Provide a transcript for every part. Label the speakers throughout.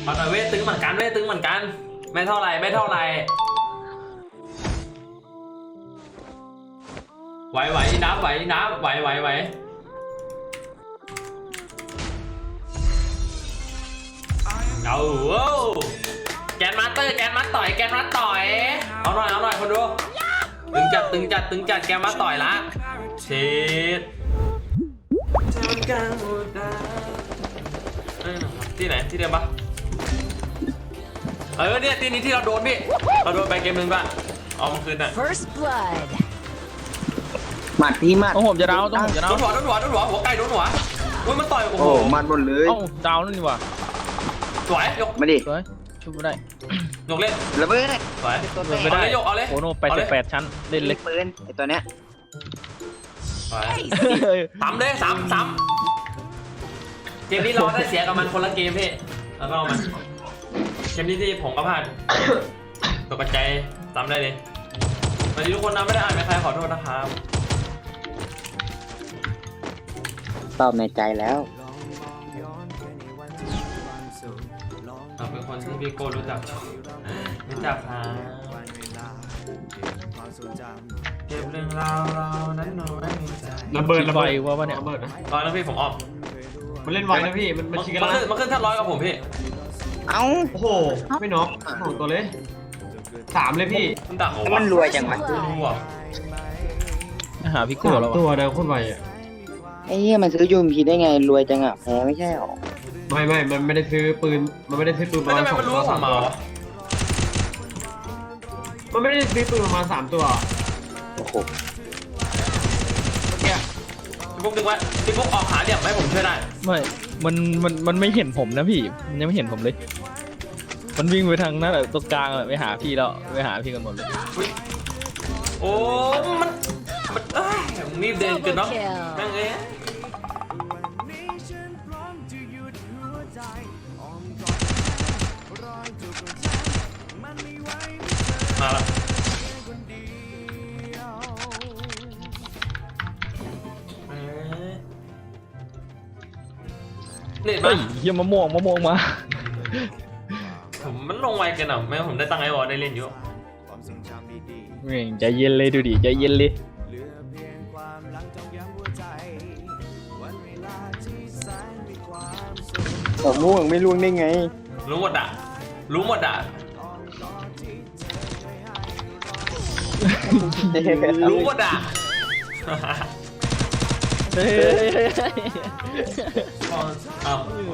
Speaker 1: เอาหน่อยเว้ยตึงเหมือนกันเว้ยตึงเหมือนกันไม่เท่าไรไม่เท่าไรไหวน้ำไหวน้ำไหวเอาแกนมาสเตอร์แกนมาสต่อยเอาหน่อยคนดูตึงจัดแกนมาต่อยละเช็ดที่ไหนที่เดิมปะเนี่ยที่นี้ที่เราโดนพี่เราโดนไปเกมนึงป่ะเอามาคืนน่ะ
Speaker 2: First blood
Speaker 3: หมัดพี่หมัด
Speaker 4: ต้องผมจะดาวต้องผมจะดาว
Speaker 1: โดนหัวหัวไก่โดนหัวอุ้ยมันต่อยโอ้
Speaker 3: โอ้
Speaker 1: โห
Speaker 3: หมัดหมดเลย
Speaker 4: เอ้าดาวนั่นนี่ว่ะ
Speaker 1: สวยยก
Speaker 3: มาดิ
Speaker 4: สวยชุบไม่ได้
Speaker 1: ยกเล่น
Speaker 3: ระเบิด
Speaker 1: สวย
Speaker 4: ไม่ได้
Speaker 1: ยกเอาเลย
Speaker 4: โอ้โห88 ชั้นเล่นเล็ก
Speaker 3: ปืนไอตัวเนี้ย
Speaker 1: สวยซ้ำเลยซ้ำเกมนี้เราได้เสียกับมันคนละเกมพี่แล้วก็มันเกมนี้ที่ผมก็พลาดตกกระจายซ้ำได้เลยสวัสดีทุกคนนะไม่ได้อ่านไม่ใครขอโทษนะครับ
Speaker 3: ตอบในใจแล้ว
Speaker 1: เราเป็นคนที่พี่โก้รู้จักครับเก็บเรื่องราวเรานั้นน้อยใจ
Speaker 5: ระเบิด
Speaker 4: ไฟว่าปะเนี่ย
Speaker 5: ระเบิดนะ
Speaker 1: ตอนนั้นพี่ผมออก
Speaker 5: มันเล่นไวนะพี่มันชิงกันแล้ว
Speaker 1: มันขึ้นท่าร้อยกับผมพี่
Speaker 3: เอ้า
Speaker 5: โอ้โหไม่น็อกโอ้โหตัวเลย3เลยพี่
Speaker 1: มันดักผม
Speaker 3: มันรวยจังวะ
Speaker 1: รู้อ่ะ
Speaker 4: หาพี่โก้แล้ว
Speaker 5: ตัว
Speaker 4: วะ
Speaker 5: เดียวโคตรไวอ่ะ
Speaker 3: ไอ้เหี้ยมันซื้อยูมพีได้ไงรวยจังอ่ะแพ้ไม่ใช่หรอ
Speaker 5: ไม่มันไม่ได้ซื้อปืนประ
Speaker 1: ไม่
Speaker 5: มาณ
Speaker 1: ทำไมมันรู้ว่าผม
Speaker 5: 3
Speaker 1: มา
Speaker 5: ตัว
Speaker 1: วะ
Speaker 5: มันไม่ได้ซื้อปืนประมาณ3ตัว
Speaker 3: โอ้โห
Speaker 1: พี่ปุ๊กดึงไว้พี่ปุ๊กออกหาเดี่ยวให้ผมช่วยได้
Speaker 4: ไม่มันไม่เห็นผมนะพี่มันยังไม่เห็นผมเลยมันวิ่งไปทางนั้นตรงกลางไปหาพี่แล้วไปหาพี่กันหมดเลย
Speaker 1: โอ้มันรีบเดินเกินเนาะนั่งเอ้ยมาละเน็ต
Speaker 4: เฮ้
Speaker 1: มาย
Speaker 4: เฮียมะม่วงมา
Speaker 1: ผมมันลงไวเกินอ่ะแม้ผมได้ตั้งไอวอลได้เล่นอยู่
Speaker 4: เม่งใจเย็นเลยดูดิใจเย็นเลย
Speaker 3: แต่ม่วงไม่ล่วงได้ไง
Speaker 1: รู้หมดอ่ะรู้หมดอ่ะ
Speaker 4: เฮ้ย
Speaker 1: อ้าว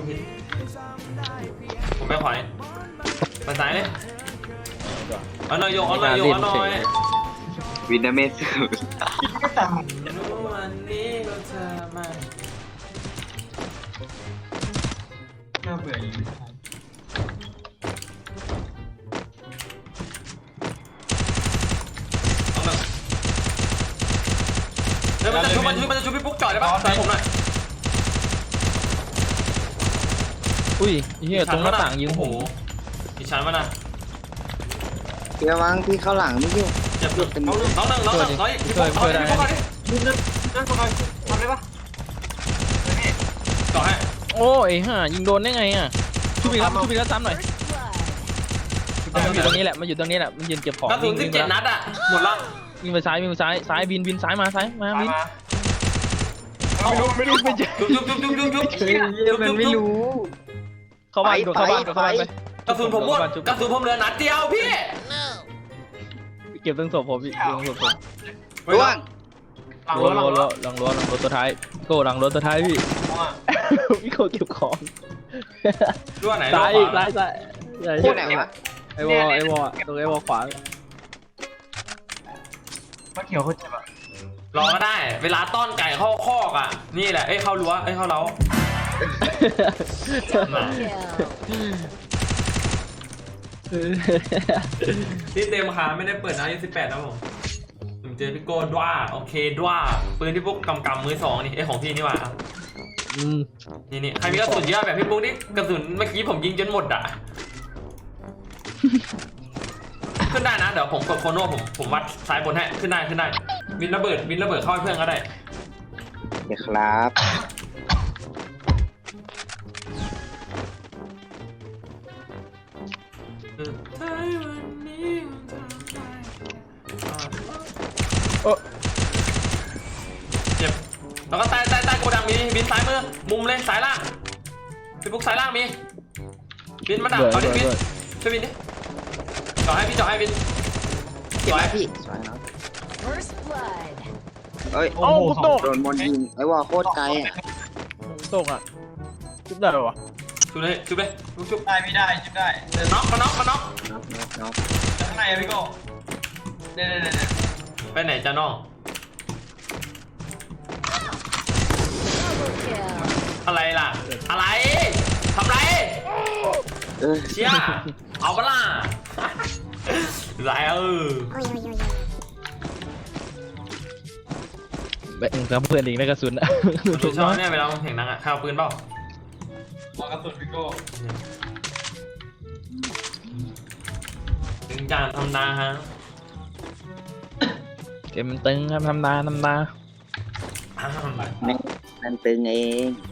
Speaker 1: ผมไปขวาไปซ้ายเลยเอาหน่อยโยกเอาหน่อย
Speaker 3: วินาเมส
Speaker 1: วันนี้เราเธอมา
Speaker 5: น่าเบื่อ
Speaker 1: เอาหน่อยเดี๋ยวมันจะชุบพี่ปุ๊กจ่อยได้ปะใส่ผมหน่อย
Speaker 4: อุ้ยเฮียตรงหน้าต่างยิง
Speaker 1: โอ้โห
Speaker 4: ผม
Speaker 1: มีชั้นมานะ
Speaker 3: เดี๋ยววางพี่เข้าหลังไม่ยุ่ง
Speaker 1: เจ็บน้องหนึ่งน้อยพี่ปุ๊กเอาดิพี่ปุ๊กเอาดิ
Speaker 5: นั่นทำได้ปะ
Speaker 1: จ่อให้
Speaker 4: โอ้ยห่ายิงโดนได้ไงอ่ะชุบอีกแล้วซ้ำหน่อย
Speaker 2: First blood
Speaker 4: มันอยู่ตรงนี้แหละมันยืนเก็บของ
Speaker 1: กระสุน17 นัดอ่ะหมดละ
Speaker 4: วิ่งไปซ้ายบินซ้ายมาบิน
Speaker 5: ไม่รู้ไม่เจอ
Speaker 1: จุ๊บ
Speaker 3: มันไม่รู้
Speaker 4: เข้าบ้านเข้าบ้านไป
Speaker 1: กระสุนผมหมดกระสุนผมเหลือนัดเดียวพี่
Speaker 4: เก็บตั้งศพผมพี่เก็บตั้งศพผม
Speaker 3: ล่วง
Speaker 5: หลัง
Speaker 4: รั้ว
Speaker 5: รถ
Speaker 4: หลังรั้วตัวท้ายโก้หลังรถตัวท้ายพี่พี่โก้เก็บของ
Speaker 1: รั้วไหน
Speaker 4: ซ้าย
Speaker 3: โคตรไหนวะ
Speaker 4: ไอวอตรงไอวอขวา
Speaker 5: มาเขียวเขาเจ็บอ่ะ
Speaker 1: รอก็ได้ เวลาต้อนไก่เข้าคอกอ่ะนี่แหละเข้ารั้วเข้าเล้า
Speaker 2: kill
Speaker 1: ที่เต็มขาไม่ได้เปิดนะ28นะผมเจอพี่โก้ด้วโอเคด้วปืนที่พวกกำมือ2นี่ของพี่นี่หว่านี่ใครมีกระสุนเยอะแบบพี่ปุ๊กนี่กระสุนเมื่อกี้ผมยิงจนหมดอ่ะขึ้นได้นะเดี๋ยวผมกดโคโน่ผมวัดซ้ายบนให้ขึ้นได้วินระเบิดเข้าให้เพื่อนก็ได้
Speaker 3: เดี๋ยวครับ
Speaker 1: เจ็บแล้วก็ใต้โกดังมีบินซ้ายมือมุมเลยสายล่างพี่ปุ๊กสายล่างมีบินมาดักเอาดิบินช่วยบินดิจ่อให้บิน
Speaker 3: เจ็บไหมพี่สวยเนาะ
Speaker 2: First blood.
Speaker 3: เอ้ย
Speaker 5: โอ้โห
Speaker 4: กูตก
Speaker 3: โดนบอลยิงไอ้วอลโคตรไกลอ่ะ
Speaker 4: ตกอ่ะจุบได้หรอวะ
Speaker 1: ชุบเลยชุบ
Speaker 5: ได้ไม่ได้จิ้มได้
Speaker 1: น็อกมาน็อก
Speaker 3: น็อก
Speaker 5: ข้างในอะพี่โก้เนี่ย
Speaker 1: ไปไหนจ้าน้อง
Speaker 2: Double kill.
Speaker 1: อะไรล่ะอะไรทำไร
Speaker 3: เออ
Speaker 1: เชี่ยเอาปะล่ะไร
Speaker 4: แบ่งกับเพื่อนอีกนะกระสุนอะ
Speaker 1: ดูชอบเนี่ยเวลาผมเห็นนังอ่ะข้าวปืนเปล่า
Speaker 5: มากระสุนพี่โก้
Speaker 1: ถึงจานทำนาฮะ
Speaker 4: เกมมันตึงครับทำนา
Speaker 3: มันตึงเอง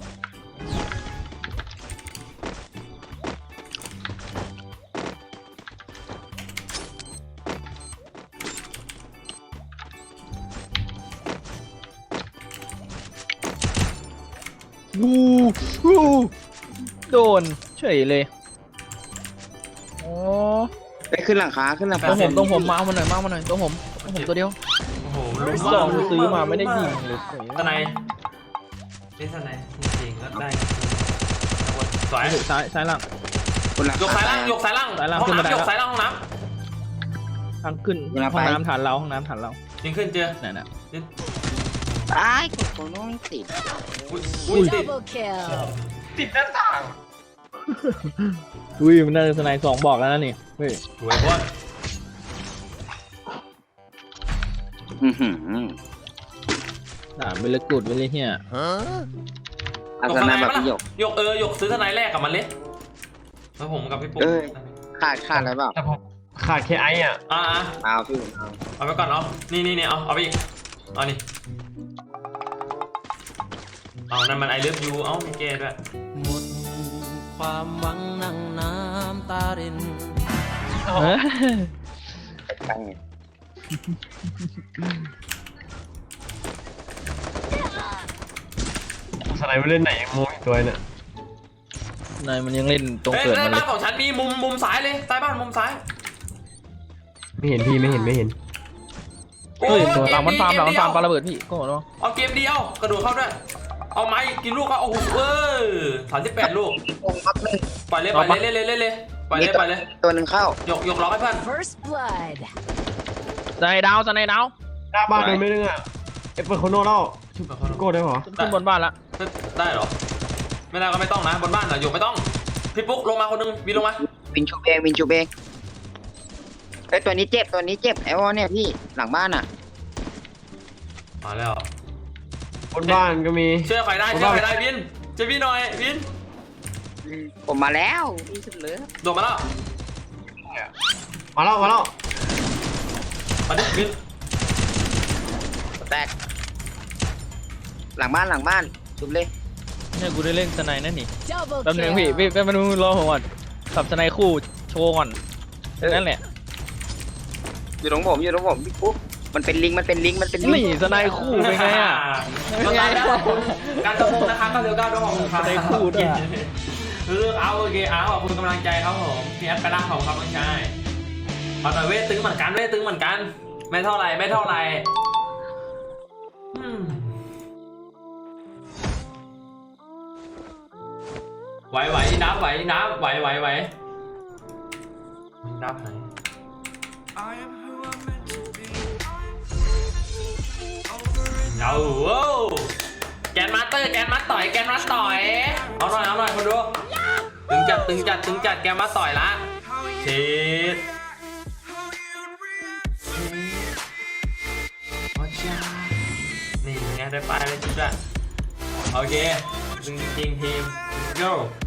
Speaker 4: วูโดนเฉยเลยอ๋อ
Speaker 3: ไปขึ้นหลังคาต
Speaker 4: ตรงผมมาเอามาหน่อยตรงผมตัวเดียว
Speaker 1: โอ้โห
Speaker 4: สองซื้อมาไม่ได้ยิงเลย
Speaker 1: สไนเป็นสไนจริงๆก็ได้สวย
Speaker 4: ซ้ายล่าง
Speaker 3: คนหลัง
Speaker 1: ยก
Speaker 3: คา
Speaker 1: สายล่างยกสายล่าง
Speaker 4: สายล่าง
Speaker 1: ห้อง
Speaker 4: ขึ้นมาได้
Speaker 1: น้ำย
Speaker 4: แล้ว
Speaker 1: กสายล่างห้องน้
Speaker 4: ทางขึ้น
Speaker 3: เวลา
Speaker 4: ห้
Speaker 3: ไป
Speaker 4: องน้ำฐานเรา
Speaker 1: ำยิงขึ้นเจอ
Speaker 4: นั่นน่ะ
Speaker 3: ตายกดโคโน่ไม่ติด
Speaker 1: อุ้ยติด
Speaker 2: Double kill.
Speaker 5: ติดหน้าต่าง
Speaker 4: อุ้ยมันน่าจะสไนด์2บอกแล้วนะนี่เฮ้ย
Speaker 1: สวยบอล
Speaker 4: ไม่เลิกกูดไปเลยเฮีย
Speaker 3: อาสนะแบบพี่หยก
Speaker 1: ยกซื้อทนายแรกกับมันเลยแล้วผมกับพี่ปุ๊ก
Speaker 3: ขาดอะไรเปล่า
Speaker 5: แต่ผมขาดแค่ไอ้อ่ะ
Speaker 3: เอาพี่เอา
Speaker 1: เอาไปก่อนเอานี่เอาไปอีกเอานี่เอานั่นมันไอเลิฟยูเอามีเกย์ด้วย
Speaker 6: หมดความหวังนั่งน้ำตาริน
Speaker 3: ตั้งไง
Speaker 5: สไนไม่เล่นไหนยังโม้อีกตัวเนี่ย
Speaker 4: นายมันยังเล่นตรง
Speaker 1: เฮ้ย
Speaker 4: เกิด
Speaker 1: ใต้
Speaker 4: มันเล
Speaker 1: บ้าย นของฉันมีมุมซ้ายเลยใต้บ้านมุมซ้าย
Speaker 5: ไม่เห็นพี่ไม่เห็น
Speaker 4: เฮ้ยหลังมันฟาร์มปาระเบิดพี่ก็บอกว่า
Speaker 1: เอาเกมเดียวกระโดดเข้าด้วยเอาไม้กินลูกก็โอ้โห38 ลูก
Speaker 3: องพักหนึ่ง
Speaker 1: ปล่อยเลยปล่อยเลย
Speaker 3: ตัวหนึ่งเข้าย
Speaker 1: กล็อกให้เพื่อน
Speaker 2: First blood.
Speaker 4: สไนด์ดาว
Speaker 5: หน้าบ้านโดนไม่นึงอ่ะเอฟเปิลโคโน่เล่าพี่โก้ได้เหรอ
Speaker 4: ขึ้นบนบ้านละ
Speaker 1: ได้เหรอไม่ได้ก็ไม่ต้องนะบนบ้านเหรออยู่ไม่ต้องพี่ปุ๊กลงมาคนนึงวินลงมา
Speaker 3: วินชูเองไอ้ตัวนี้เจ็บไอ้วอเนี่ยพี่หลังบ้านอ่ะ
Speaker 1: มาแล้ว
Speaker 5: บนบ้านก็มี
Speaker 1: เชื่อใครได้วินจะพี่หน่อยวิน
Speaker 3: ผมมาแล้วพี่สุดเลย
Speaker 1: โดดมาแล้ว
Speaker 5: มาแล้ว
Speaker 1: มาดิวิน
Speaker 3: แตกหลังบ้านชุบเลย
Speaker 4: เนี่ยกูได้เล่นสไนด์นั่นนี่
Speaker 2: Double
Speaker 4: แป๊บนึงพี่
Speaker 2: kill.
Speaker 4: แป๊บนึงรอผมก่อนขับสไนด์คู่โชว์ก่อนนั่นแหละ
Speaker 3: อยู่ตรงผมพี่ปุ๊บมันเป็นลิง
Speaker 4: นี่สไนด์คู่เป็นไงอ่ะ
Speaker 1: ก็ได้แล้วขอบคุณการตะโกนนะคะ999ด้วยขอบคุณครับ
Speaker 4: ได้พูดอ่ะ
Speaker 1: เอาโอเคขอบคุณกำลังใจครับผมพี่แอปกระด้างของครับน้องชายเอาหน่อยเว้ยตึงเหมือนกันไม่เท่าไหร่ไหวนับไหวนับไหวนับไหนเอาแกนมัดต่อยเอาหน่อยคนดูตึงจัดแกนมัดต่อยละเช็ดนี่ไงได้ไปเลยจิ๊บละโอเคจริงทีม go